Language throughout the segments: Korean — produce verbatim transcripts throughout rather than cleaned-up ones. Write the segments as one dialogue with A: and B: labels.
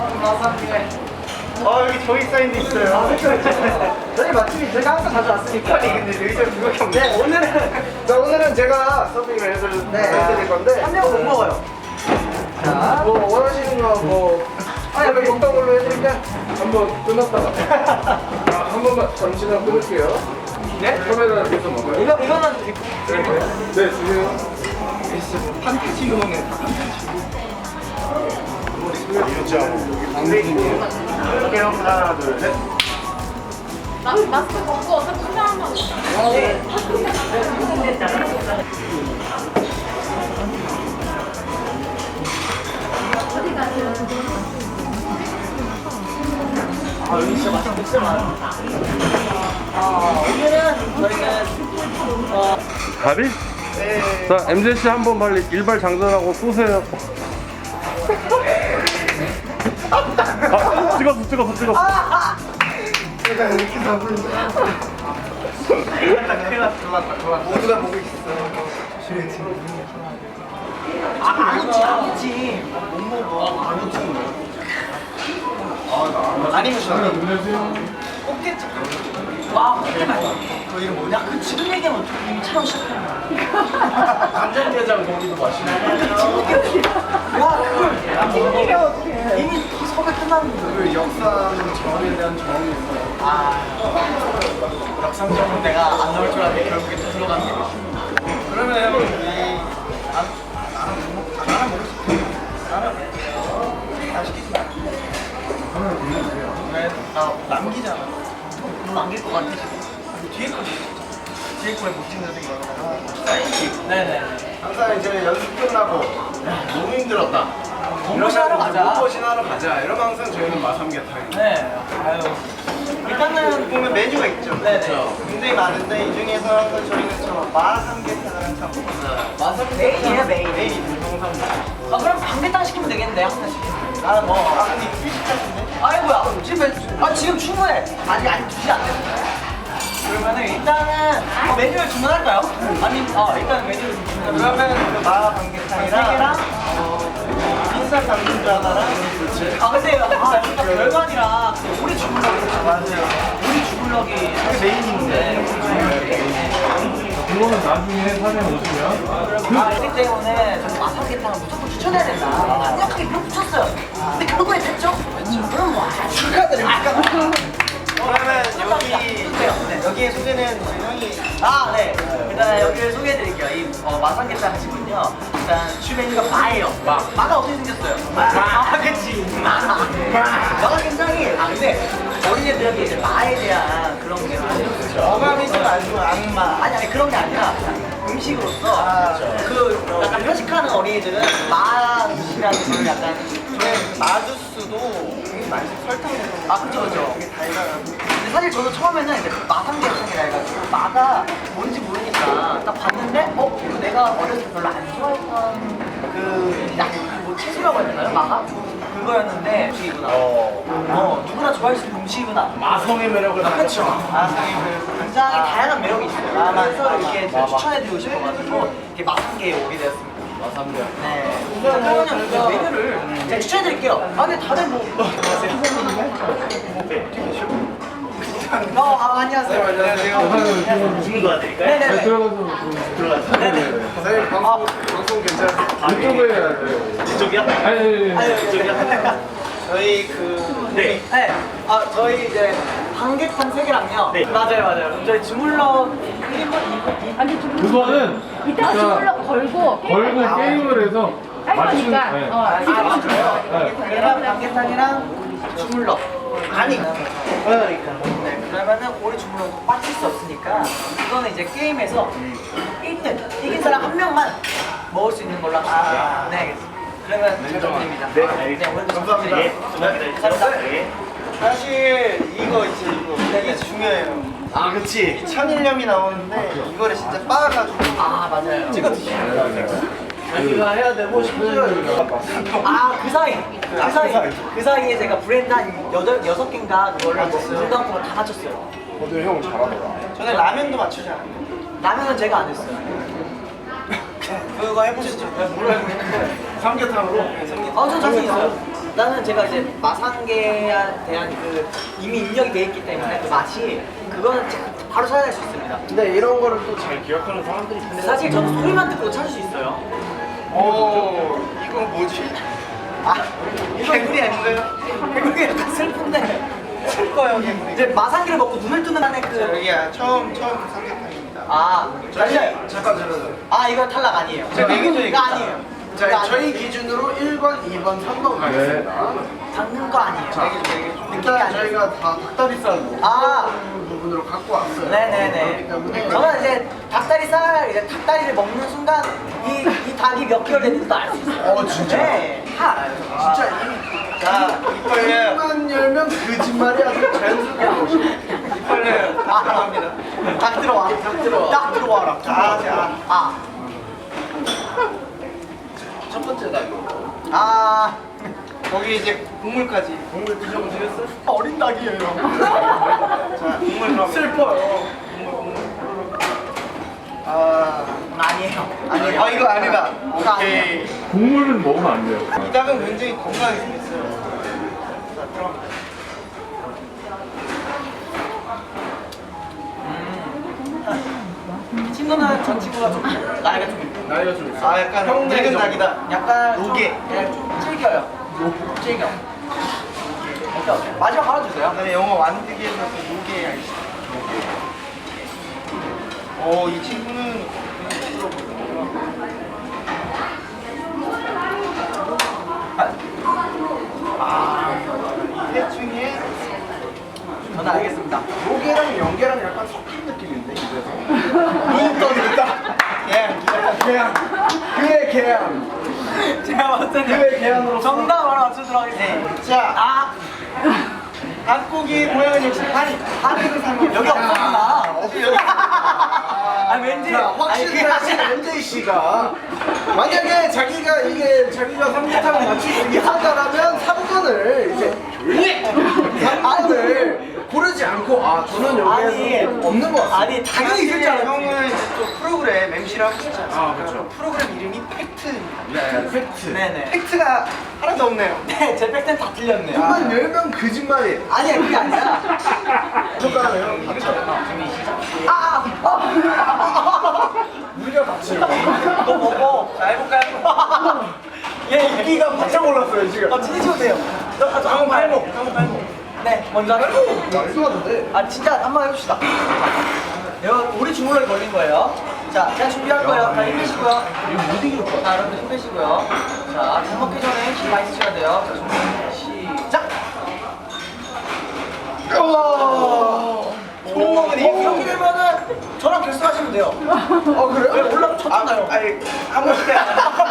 A: 아 여기 저희 사인도 있어요. 아, 저희 맛집이 제가 항상 자주 왔으니까. 아니 근데 여기서 그거밖에 없네. 네, 오늘은 자 오늘은 제가 서빙을 해드릴 네. 건데 한 명은 못 먹어요. 자, 뭐 원하시는 거 뭐 아, 여기 먹던 걸로 해드릴게요. 한번 끊었다가 아, 한 번만 잠시만 끊을게요. 네? 카메라 계속 먹어요. 이거 이거는 드릴 거예요? 네, 주세요. 판타지용에 다 판타지. 이렇게요. 하나, 둘, 셋.
B: 마스크 벗고 어차피 수상한 거
A: 네.
C: 아, 여기 진짜 맛있는 진짜 많아. 아, 오늘은 저희는 어,
D: 가비?
A: 네.
D: 자, 엠제씨 한번 빨리 일발 장전하고 쏘세요. 아, 찍었어, 찍었어, 찍었어.
A: 제가 이렇게 잡으면 큰일 났다, 큰일 났다. 모두가 보고 있어.
C: 아, 아구찜, 아구찜. 못 먹어. 아구찜.
A: 아니면 저는
C: 꽃게찜. 와, 꽃게 맛있어. 그 이름 뭐냐? 그 지금 얘기하면 이미 촬영 시작했나?
A: 간장게장 고기도 맛있네.
C: 야, 그걸 지금 얘기하면 어떡해. 이미 섭외 끝났는데.
A: 그 역사는 정에 대한 정이 있어요.
C: 아, 역삼정은 내가 안 나올 줄 알았는데 결국에 또 들어가는 게
A: 그러면 이 아, 나랑 못 먹, 나랑 먹을 수 있어. 나랑 다 시키지. 하나 돌려주세요.
C: 왜? 나 남기잖아. 너 남길 것 같아 지금.
A: 뒤에 거
C: 뒤에 거에 못 찍는 생각을
A: 사이즈.
C: 네네.
A: 항상 이제 연습 끝나고 너무 힘들었다.
C: 몸보신 하러 가자.
A: 몸보신 하러 가자. 이러면 항상 저희는 마삼계탕.
C: 네. 아유. 일단은
A: 보면 메뉴가 있죠.
C: 네네.
A: 그렇죠. 굉장히 많은데 이 중에서 항상 저희는 저 마삼계탕을 항상 먹어요.
C: 마사비 메인이에요 메인.
A: 메인이 항상 먹고.
C: 아 그럼 반개탕 시키면 되겠는데 한 번씩.
A: 나는 뭐, 아 근데 휴식 같은데?
C: 아이고야 지금 몇- 아 지금 충분해. 아니 아니 두 시 안 됐어. 그러면은 일단은 어, 메뉴를 주문할까요? 아니 어 일단 메뉴를 주문할까요?
A: 그러면 그 마삼계탕이랑
C: 세 개랑
A: 흰쌀 당근주 하나랑 그렇지.
C: 아 근데 아 여기가 별관이라 그 오리 주물럭이
A: 맞아요.
C: 오리 주물럭이
A: 그게 메인인데.
D: 그거는 나중에 사진 오시면.
C: 아, 그렇기 때문에 저는 마사비탕을 무조건 추천해야 된다. 강력하게 밀어붙였어요. 근데 결국에 됐죠? 그럼 뭐
A: 축하드립니다. 그러면 여기
C: 네.
A: 여기에 소개는 우리 형이
C: 아, 네. 일단 여기를 소개해드릴게요. 이 어, 마산게탕 하시군요. 일단 주 메뉴가 마예요. 마. 마가 어떻게 생겼어요? 마. 아, 그치. 마. 마가 굉장히, 아, 근데 어린애들한테 이제 마에 대한 그런 게 많아요.
A: 어감이 좀 안 좋은 악마.
C: 아니, 아니, 그런 게 아니라 음식으로서
A: 아,
C: 그 약간 편식하는 어린이들은 마 음식이라는 걸 약간
A: 저는 마주스도 되게 맛있어. 설탕 넣어서
C: 아, 그쵸, 그쵸.
A: 되게 달달하고.
C: 근데 사실 저도 처음에는 이제 마상계탕이라 해가지고 마가 뭔지 모르니까 딱 봤는데 어? 이거 내가 어렸을 때 별로 안 좋아했던 그 약간 뭐 채소라고 해야 되나요? 마가? 그거였는데 음식이구나.
A: 어.
C: 어 누구나 좋아할 수 있는 음식이구나.
A: 마성의 매력을
C: 아, 그쵸.
A: 마성의 매력을.
C: 굉장히
A: 아.
C: 다양한 매력이 있어요.
A: 아, 맞아,
C: 그래서
A: 맞아.
C: 이렇게
A: 맞아.
C: 추천해드리고 싶어가지고 이렇게 마상계에 오게 되었습니다.
A: 마삼계.
C: 네. 그러면 그 메뉴를 제가 추천해드릴게요. 아 근데 다들 뭐 어, 아, 안녕하세요.
A: 안녕하세요.
C: 주문 도와드릴까요? 네네네.
D: 들어가서.
C: 네네.
A: 사장님 방송, 방송 괜찮으세요?
D: 유튜브에 해야 돼.
C: 이쪽이요?
D: 아니, 아니, 아니.
C: 아니, 이쪽이요?
A: 저희 그
C: 네. 네. 아, 저희 이제 반개탕 세 개랑요. 네. 맞아요, 맞아요. 저희 주물럭 일 분,
B: 아니 좀
D: 그거는
B: 이따가 주물럭 걸고
D: 걸고 게임을 해서
B: 할
D: 맞추는.
B: 거니까
D: 네.
B: 어,
C: 아, 맞아요.
D: 네.
C: 반개탕이랑 반개탕이랑 주물럭. 아니. 그러니까. 네. 그러면은 우리 주물럭 빠질 수 없으니까 이거는 이제 게임에서 일 등 이긴 사람 한 명만 먹을 수 있는 걸로 합시다. 네, 알겠습니다. 그러면 부탁드립니다.
A: 네,
C: 알겠습니다.
A: 감사합니다.
C: 예, 감사합니다. 예.
A: 사실 이거 있지 이거 이게 중요해요.
C: 아, 그치.
A: 천일염이 나오는데 이거를 진짜 빻아가지고
C: 아, 맞아요.
A: 찍어 드시면 자기가 해야 되고 심지어 이거
C: 아, 그 사이. 그
A: 아, 그
C: 사이.
A: 사이.
C: 그 사이에 제가 브랜드 한 여덟, 여섯 개인가 그거를 중간부터 다 맞췄어요.
A: 오늘 형 잘하더라. 저는 라면도 맞추지 않았요
C: 라면은 제가 안 했어요.
A: 그거 해보시죠. 네, 뭘로 해보시는데 삼계탕으로.
C: 아, 저 자신 있어요. 일단은 제가 이제 마산계에 대한 그 이미 입력이 돼 있기 때문에 그 맛이 그거는 제가 바로 찾아낼 수 있습니다.
A: 근데 이런 거를 또 잘 기억하는 사람들이
C: 근데 사실 저는 소리만 듣고 찾을 수 있어요.
A: 어, 이건 뭐지?
C: 아, 이거 개구리 아닌가요? 개구리 약간 슬픈데 슬퍼요 개구리. 이제 마산기를 먹고 눈을 뜨는 한에 그
A: 여기야 처음 처음 삼계탕입니다.
C: 아, 달려요.
A: 잠깐 들어요.
C: 아, 이거 탈락 아니에요.
A: 자, 네 개 중에
C: 이거 아니에요. 이거
A: 자,
C: 아니에요.
A: 저희 기준으로 일 번, 이 번, 삼 번 가겠습니다.
C: 당근 거 아니에요.
A: 자, 일단 저희가 다 닭다리살
C: 아.
A: 부분으로 갖고 왔어요.
C: 네네네.
A: 그렇기 때문에
C: 저는 이제 닭다리살, 이제 닭다리를 먹는 순간 이, 이 닭이 몇 개월 됐는지도 알 수 있어요.
A: 어, 진짜?
C: 네, 다 알아요.
A: 진짜 이
C: 자, 이빨
A: 입만 열면 거짓말이 아주 자연스럽게 나오시네.
C: 이빨 아, 감사합니다. 닭 들어와. 닭 들어와. 딱 들어와라. 자, 자. 아.
A: 첫 번째 닭.
C: 아.
A: 거기 이제 국물까지. 국물 드셔보시겠어요?
C: 어린 닭이에요.
A: 자, 국물 그럼. 슬퍼요. 아,
C: 아니에요.
A: 아니에요. 아, 이거 아니다.
C: 이거
A: 오케이.
D: 국물은 먹으면 안 돼요.
A: 이 닭은 굉장히 건강하게 생겼어요. 자, 들어갑니다.
C: 이 친구는 전 친구가 좀 나이가 좀 있고
A: 나이가 좀 있어. 아, 약간 늙은 닭이다.
C: 약간
A: 노게.
C: 좀, 네, 좀 질겨요. 질겨. 오케이, 오케이. 마지막 깔아주세요.
A: 그다음에 영어 완득이에서 그 노게 알지? 어, 이 친구는 아, 이셋 중에
C: 저는 알겠습니다.
A: 노게랑 연계랑 약간 섞인 느낌인데 이래서 눈 떠졌다. 개양, 개양, 그의 개양.
C: 제가 봤을 때는
A: 그의 개양으로
C: 정답 하나 맞추도록 하겠습니다.
A: 자,
C: 아,
A: 닭고기 모양은 역시 다리, 다리를 삶은
C: 여기 없었구나.
A: 없어요.
C: 아, 왠지.
A: 자, 확실히
C: 아니,
A: 하신 엔제이 씨가 만약에 자기가 이게 자기가 삼계탕을 맞출 수 있다라면 삼 번을 이제 조용히 삼 번을 고르지 않고 아 저는 여기에
C: 아니,
A: 없는 것 같습니다.
C: 아니, 당연히 있을 줄 알았지.
A: 형은 이제 또 프로그램 엠시를 하고 싶지 않습니까?
D: 아, 그렇죠.
A: 프로그램 이름이 팩트입니다.
D: 네.
A: 팩트.
C: 네네.
A: 팩트가 하나도 없네요.
C: 네, 제 팩트는 다 틀렸네요.
A: 입만 열면 거짓말이에요.
C: 아니야, 그게 아니라.
A: 손가락을
C: 아, 아,
A: 우리가 같이
C: 너 먹어. 자, 해볼까요? 예, 예.
A: 인기가 바짝 올랐어요 지금.
C: 어, 진짜 돼요. 너, 아, 저
A: 다음
C: 한번
A: 팔목,
C: 해볼게요.
A: 다음 팔목.
C: 네, 먼저 할게요.
A: 말도 안 돼.
C: 아, 진짜 한번 해봅시다. 이거 우리 주물럭이 걸린 거예요. 자, 제가 준비할 거예요. 다 힘내시고요.
A: 이거 못 이길 거야.
C: 자, 여러분들 힘내시고요. 자, 밥 먹기 전에 힘 많이 쓰셔야 돼요. 자, 준비, 시작!
A: 우와. 손목은
C: 어, 이렇게 되면은 저랑 결승하시면 돼요.
A: 어 그래요?
C: 왜 올라가 쳤잖아요.
A: 아, 아니 한 번씩 해.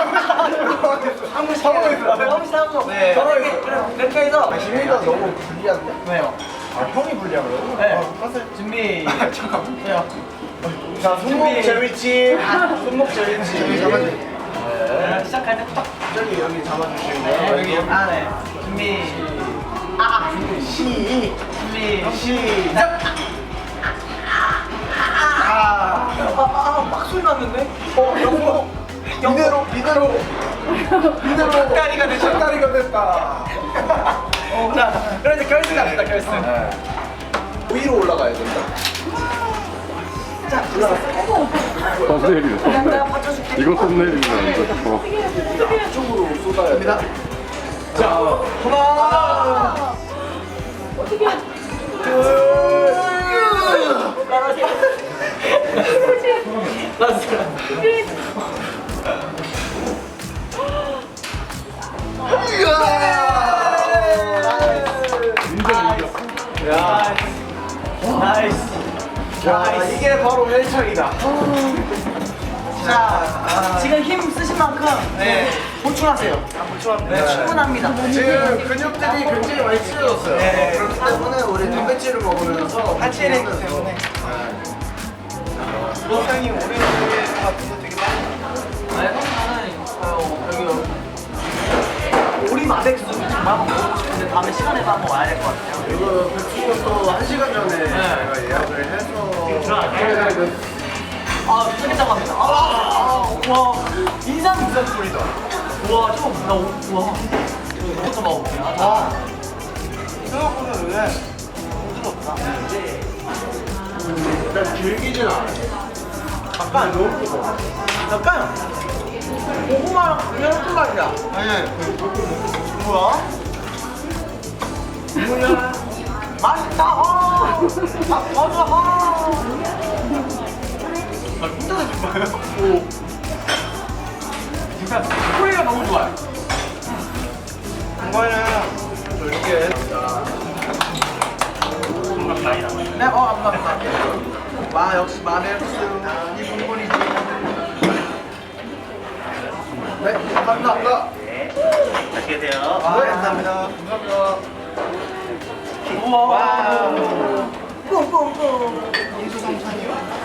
A: 한 번씩 해요.
C: 형이 싸우죠.
A: 네.
C: 저는 이렇게, 그래, 이렇게 해서.
A: 아, 지민이가 너무 불리한데?
C: 왜요?
A: 아 형이 불리하고요?
C: 네.
A: 어, 하세요.
C: 준비.
A: 아, 잠깐만.
C: 해요.
A: 자 손목
C: 준비.
A: 제위치. 손목 제위치. 여기 잡아주세요.
C: 네, 시작할 때 딱.
A: 저기 여기 잡아주시고요.
C: 네,
A: 여기 여기.
C: 아, 네. 준비. 아,
A: 시.
C: 준비.
A: 시작. 아.
C: 아, 아, 막 소리 났는데?
A: 어 영목. 이대로 이대로 이대로
C: 닭다리가 됐어.
A: 닭다리가 됐다.
C: 자, 그럼 이제 결승 갑시다, 결승.
A: 위로 올라가야 된다.
C: 자,
D: 썸네일이네.
C: 내가
D: 썸네일.
C: 받쳐줄게.
D: 이거 썸네일이네. 어.
A: 이쪽으로 쏟아야 됩니다. 자, 하나,
B: 어떻게
A: 둘,
D: 인정, 인정.
A: 야,
C: 나이스.
A: 자, 이게 바로 헬창이다.
C: 자, 지금 힘 쓰신 만큼
A: 네.
C: 보충하세요.
A: 보충합니다.
C: 네, 충분합니다.
A: 지금 근육들이 굉장히 많이 찢어졌어요.
C: 네.
A: 그렇기 때문에 우리 단백질을 먹으면서
C: 하체를 했기 때문에.
A: 로상이 오래 걸릴 같은 거 되게 많아요.
C: 아니, 나는 어, 여기 오리 마백수 정말 한번 먹고 싶은데 다음에 시간에 한번 와야 될 것 같아요.
A: 이거 백숙은 또 한 시간 전에 제가 예약을 해서 해야 돼.
C: 아, 미치겠다 갑니다. 아, 아, 와, 인상 인상 소리다. 와, 저거 나, 오- 와. 이것도 먹어볼게요.
A: 아, 생각보다 왜 부드럽다. 일단 질기진 않아. 약간 너무 뜨거워.
C: 약간 고구마랑 그냥 한 맛이야.
A: 아니, 뭐야? 뭐야?
C: 맛있다. 아, 아 맞아. 아.
A: 아, 혼자 드신 거예요?
C: 오. 진짜 소리가 너무 좋아요.
A: 이거는 이렇게
C: 네, 어, 감사합니다.
A: 마 역시 마늘 이 부분이지. 네, 감사합니다.
E: 맛있게 드세요.
A: 아, 네, 감사합니다. 감사합니다.
C: 우와.
A: 와우.
C: 뿡뿡뿡.
A: 인수성찬이요?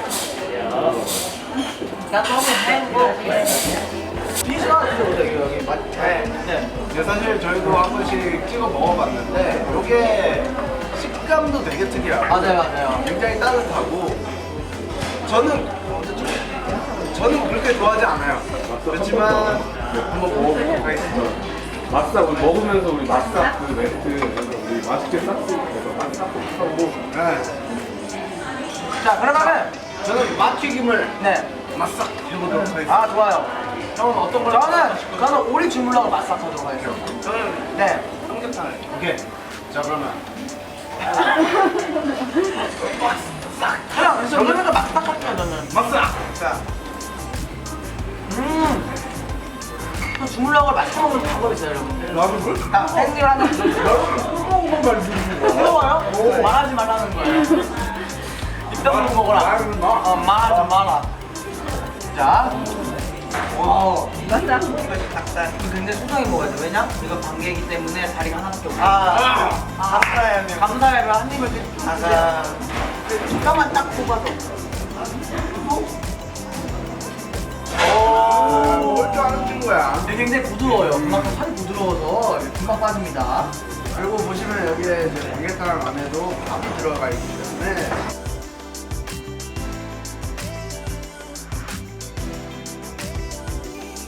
C: 나도 한번 해볼게.
A: 피자 여기 여기 맛. 네.
C: 네.
A: 근데 사실 저희도 한 번씩 찍어 먹어봤는데 이게 식감도 되게 특이하고
C: 맞아요, 맞아요.
A: 굉장히 따뜻하고 저는 저는 그렇게 좋아하지 않아요. 그렇지만 한번 먹어보도록 하겠습니다.
D: 맛싹 우리 먹으면서 우리 맛싹 그 멘트 우리 맛있게 싹쓸 맛싹 하고
A: 네.
C: 자, 그러면은
A: 저는 맛튀김을
C: 네.
A: 맛싹 해보도록 하겠습니다.
C: 아, 좋아요.
A: 형은 어떤 걸?
C: 저는 저는 오리 주물럭을 맛싹하도록 하겠습니다.
A: 저는
C: 네.
A: 삼겹살. 오케이. 자 그러면
C: 그냥 저는 맛싹할게요, 저는.
A: 맛싹. 자.
C: 음. 저 주물럭을 맛있게 먹는 방법이 있어요, 여러분들.
A: 나도 뭘?
C: 자, 생일 하나
A: 먹은 말 주는 거.
C: 뜨거워요? 말하지 말라는 거예요. 입 다물고 먹어라.
A: 말하지 마.
C: 어, 말하지 마라. 자. 와.
B: 맞다.
C: 닭살. 이거 굉장히 소중하게 먹어야 돼. 왜냐? 이거 반개이기 때문에 다리가 하나밖에 없어.
A: 아.
C: 아,
A: 감사해요, 형님.
C: 감사해요. 한 입을
A: 아사.
C: 뼈만 딱 뽑아서.
A: 오, 먹을 줄 아는 친구야.
C: 이게 굉장히 부드러워요. 그만큼 살이 부드러워서 금방 빠집니다.
A: 그리고 보시면 여기에 이제 삼계탕 안에도 밥이 들어가 있기 때문에